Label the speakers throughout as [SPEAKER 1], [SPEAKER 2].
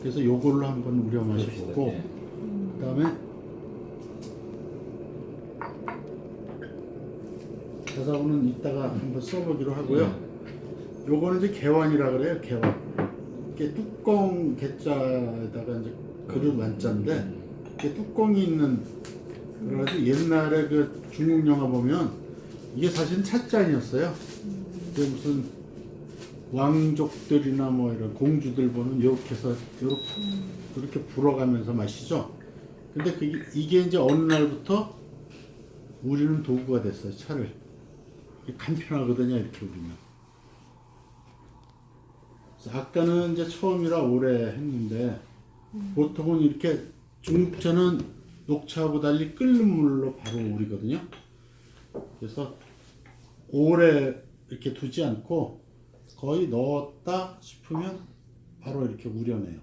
[SPEAKER 1] 그래서 요걸로 한번 우려 마셔보고
[SPEAKER 2] 예.
[SPEAKER 1] 그다음에 자사고는 이따가 한번 써보기로 하고요. 요거는 이제 개완이라 그래요. 개완. 이게 뚜껑 개자에다가 이제 그릇 완자인데 이게 뚜껑이 있는 그래가지고 옛날에 그 중국 영화 보면 이게 사실 찻잔이었어요. 이게 무슨 왕족들이나 뭐 이런 공주들 보면 이렇게 해서 이렇게 불어가면서 마시죠. 근데 이게 이제 어느 날부터 우리는 도구가 됐어요. 차를. 간편하거든요. 이렇게 우리는. 그래서 아까는 이제 처음이라 오래 했는데 보통은 이렇게 중국차는 녹차하고 달리 끓는 물로 바로 우리거든요. 그래서 오래 이렇게 두지 않고 거의 넣었다 싶으면 바로 이렇게 우려내요.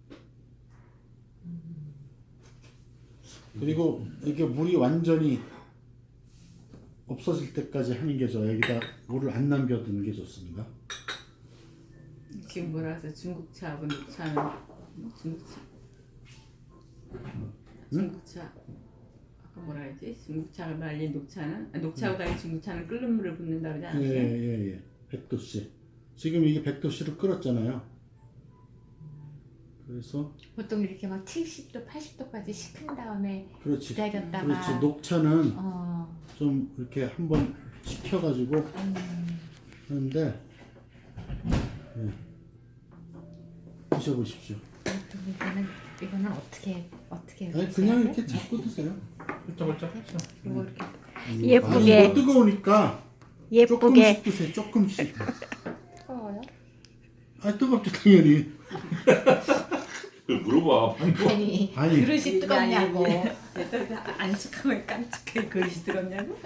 [SPEAKER 1] 그리고 이게 물이 완전히 없어질 때까지 하는 게 좋아요. 여기다 물을 안 남겨두는 게 좋습니다.
[SPEAKER 3] 지금 뭐라 해서 중국차하고 녹차는 중국차. 중국차. 아까 뭐라 했지? 중국차가 달리 녹차는 녹차하고 달리 중국차는 끓는 물을 붓는다 그러지 않았어요?
[SPEAKER 1] 예. 100도씨. 지금 이게 100도씨로 끓었잖아요. 그래서
[SPEAKER 4] 보통 이렇게 막 70도, 80도까지 식힌 다음에
[SPEAKER 1] 그렇지.
[SPEAKER 4] 기다렸다가
[SPEAKER 1] 그렇지. 녹차는
[SPEAKER 4] 어,
[SPEAKER 1] 좀 이렇게 한번 식혀가지고 하는데 예. 드셔보십시오.
[SPEAKER 4] 이거는 어떻게
[SPEAKER 1] 아니
[SPEAKER 4] 드셔야
[SPEAKER 1] 그냥
[SPEAKER 4] 돼?
[SPEAKER 1] 이렇게 잡고 드세요.
[SPEAKER 2] 훌쩍훌쩍 했어.
[SPEAKER 4] 이거 이렇게
[SPEAKER 5] 예쁘게.
[SPEAKER 1] 아니, 뭐 뜨거우니까
[SPEAKER 5] 예쁘게.
[SPEAKER 1] 조금씩 드세요. 조금씩.
[SPEAKER 4] 뜨거워요?
[SPEAKER 1] 아 뜨겁죠 당연히.
[SPEAKER 2] 그걸 물어봐.
[SPEAKER 4] 아니
[SPEAKER 1] 아니.
[SPEAKER 4] 그릇이 뜨겁냐고.
[SPEAKER 3] 안식하면 깜찍하게 그릇이 들었냐고?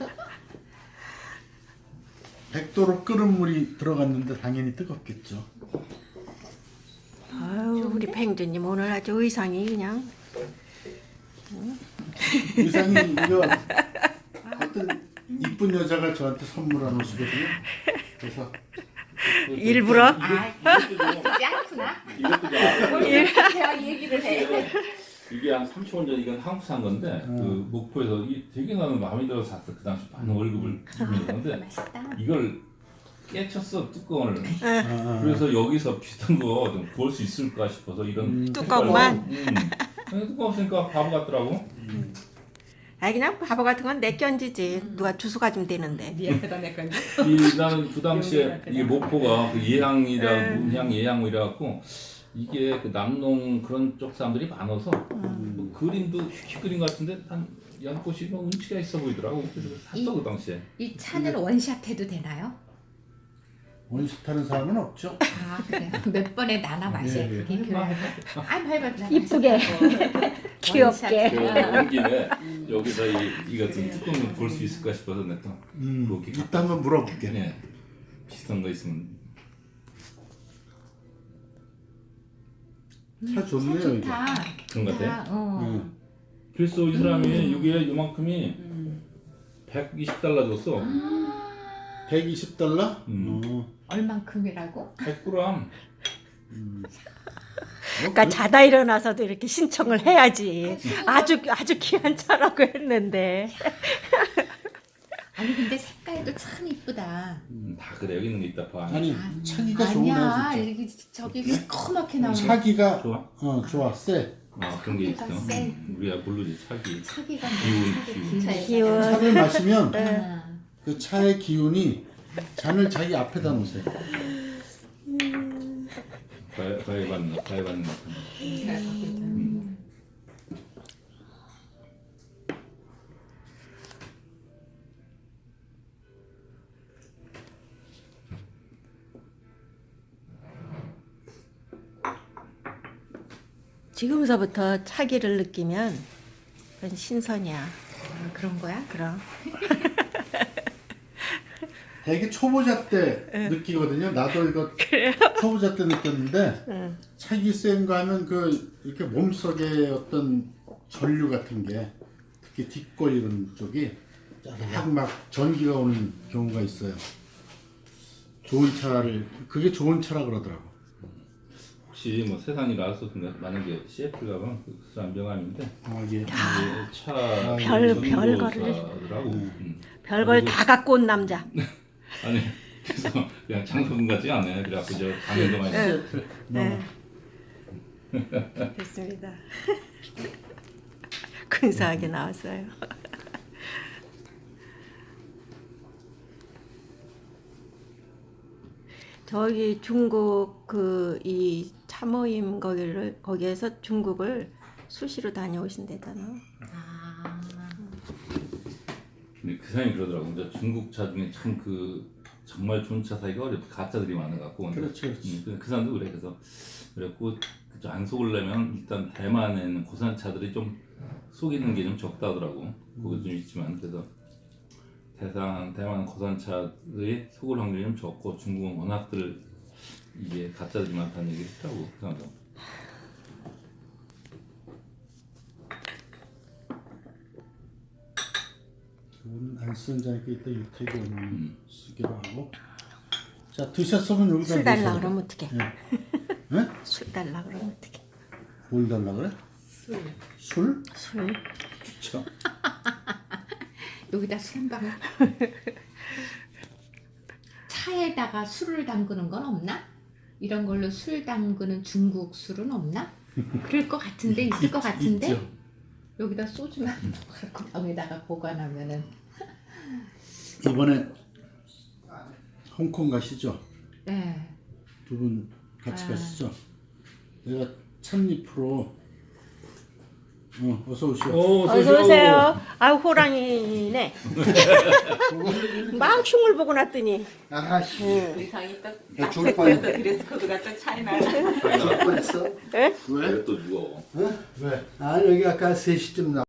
[SPEAKER 1] 100도로 끓은 물이 들어갔는데 당연히 뜨겁겠죠.
[SPEAKER 5] 아유, 우리 팽주님 오늘 아주 의상이 그냥
[SPEAKER 1] 의상이 이거 어떤 이쁜 여자가 저한테 선물한 옷이거든요. 그래서
[SPEAKER 5] 일부러
[SPEAKER 4] 그렇지 않구나.
[SPEAKER 2] 이것도
[SPEAKER 4] 제가 얘기를 해.
[SPEAKER 2] 이게 한 30년 전 이건 한국 산 건데 그 목포에서 이 되게 나는 마음에 들어서 샀어. 그 당시 많은 월급을 주는 건데
[SPEAKER 4] 맛있다.
[SPEAKER 2] 이걸 깨쳤어 뚜껑을.
[SPEAKER 1] 아,
[SPEAKER 2] 그래서 여기서 비슷한 거 좀 구할 수 있을까 싶어서 이런
[SPEAKER 5] 뚜껑만?
[SPEAKER 2] 뚜껑 없으니까 바보 같더라고.
[SPEAKER 5] 아 그냥 바보 같은 건 내견지지 누가 주워 가지면 되는데
[SPEAKER 3] 네 앞에다 내 건데.
[SPEAKER 2] 나는 그 당시에 이게 목포가 그 예향이라 문향 예향 이래 갖고 이게 그 남농 그런 쪽 사람들이 많아서 뭐 그림도 휙 그린 것 같은데 한 연꽃이 뭐 운치가 있어 보이더라고. 그래서 샀어 그 당시에.
[SPEAKER 4] 이 차는 원샷 해도 되나요?
[SPEAKER 1] 원식 타는 사람은 없죠.
[SPEAKER 4] 아 그래요? 몇 번에 나눠 마셔요.
[SPEAKER 1] 예, 예.
[SPEAKER 4] 그게 그래요. 아 밟았다.
[SPEAKER 5] 이쁘게 귀엽게
[SPEAKER 2] 온 김에 여기다 이 같은 뚜껑을 볼 수 있을까 싶어서 내가 그렇게
[SPEAKER 1] 이따 한번 물어볼게.
[SPEAKER 2] 네. 비슷한 거 있으면
[SPEAKER 1] 차 좋네요 이게.
[SPEAKER 4] 좋다.
[SPEAKER 2] 그런 것 같아.
[SPEAKER 4] 어.
[SPEAKER 2] 그래서 이 사람이 이게 요만큼이 120달러 줬어.
[SPEAKER 1] 120달러?
[SPEAKER 4] 얼만큼이라고?
[SPEAKER 2] 100g.
[SPEAKER 5] 그러니까 자다 일어나서도 이렇게 신청을 해야지 아주 귀한 차라고 했는데
[SPEAKER 4] 아니 근데 색깔도 참 이쁘다.
[SPEAKER 2] 다 그래 여기 있는 게 있다 봐.
[SPEAKER 1] 아니 차기가 좋네요
[SPEAKER 4] 아니야
[SPEAKER 1] 진짜.
[SPEAKER 4] 이게 저기 시커멓게 나오는
[SPEAKER 1] 차기가
[SPEAKER 2] 좋아?
[SPEAKER 1] 좋아 쎄.
[SPEAKER 2] 그런 게 있어.
[SPEAKER 4] 차기가 쎄.
[SPEAKER 2] 우리가 모르지 차기.
[SPEAKER 4] 차기가
[SPEAKER 2] 기운.
[SPEAKER 5] 기운.
[SPEAKER 1] 차를 마시면
[SPEAKER 4] 아,
[SPEAKER 1] 그 차의 기운이 잔을 자기 앞에다 놓으세요.
[SPEAKER 2] 과외 받는 거.
[SPEAKER 5] 지금서부터 차기를 느끼면 그건 신선이야.
[SPEAKER 4] 그런 거야?
[SPEAKER 5] 그럼
[SPEAKER 1] 되게 초보자 때 느끼거든요. 나도 이거 초보자 때 느꼈는데 차기 센 거 하면 그 이렇게 몸속에 어떤 전류 같은 게 특히 뒷골 이런 쪽이 막 전기가 오는 경우가 있어요. 좋은 차를 그게 좋은 차라 그러더라고. 혹시
[SPEAKER 2] 혹시 뭐 세상이 나왔어 만약에 CF가 그 사람 명함인데
[SPEAKER 1] 아, 예.
[SPEAKER 2] 이게 차
[SPEAKER 5] 별거를.
[SPEAKER 2] 음.
[SPEAKER 5] 별걸 다 갖고 온 남자.
[SPEAKER 2] 아니 그래서 그냥 장소분 같지 않아요. 그래갖고 저 강연도만 있어.
[SPEAKER 5] 네. 됐습니다. 근사하게 나왔어요. 저기 중국 그 이 참모임 거기에서 중국을 수시로 다녀오신대잖아.
[SPEAKER 4] 아,
[SPEAKER 2] 근데 그 사람이 그러더라고. 이제 중국 차 중에 참 정말 좋은 차 사기가 어렵고 가짜들이 많아갖고.
[SPEAKER 1] 그렇지, 그렇지.
[SPEAKER 2] 그 사람도 그래. 그랬고 안 속으려면 일단 대만에는 고산차들이 좀 속이는 게 좀 적다더라고. 그거 좀 있지만 그래서 대만 고산차들이 속을 확률이 좀 적고 중국은 워낙들 이게 가짜들이 많다는 얘기를 했다고 그 사람도.
[SPEAKER 1] 이거는 안 쓰는 자니까 이따 유태기 오면 쓰기로 하고. 자, 드셨으면 여기다
[SPEAKER 5] 술 달라
[SPEAKER 1] 넣으세요.
[SPEAKER 5] 그러면 어떡해?
[SPEAKER 1] 네?
[SPEAKER 5] 술 달라 그러면 어떡해?
[SPEAKER 1] 뭘 달라 그래? 술?
[SPEAKER 5] 술.
[SPEAKER 1] 그쵸.
[SPEAKER 4] 여기다 술 한 방울. 차에다가 술을 담그는 건 없나? 이런 걸로 술 담그는 중국 술은 없나? 그럴 것 같은데 있을 것 같은데
[SPEAKER 1] 있죠.
[SPEAKER 4] 여기다 소주만 넣어갖고 병에다가 보관하면은
[SPEAKER 1] 이번에 홍콩 가시죠?
[SPEAKER 4] 네.
[SPEAKER 1] 두 분 같이
[SPEAKER 4] 아.
[SPEAKER 1] 가시죠? 내가 찻잎으로 어서 오시오.
[SPEAKER 5] 어서 오세요. 아 호랑이네. 막 흉을 보고 났더니.
[SPEAKER 1] 아씨.
[SPEAKER 3] 의상이 또
[SPEAKER 1] 죽을 뻔했네.
[SPEAKER 3] 드레스 코드가 또 차이나.
[SPEAKER 1] 죽을 뻔했어.
[SPEAKER 5] 에?
[SPEAKER 1] 왜?
[SPEAKER 2] 또 누워.
[SPEAKER 1] 왜? 아 여기 아까 3시쯤 나.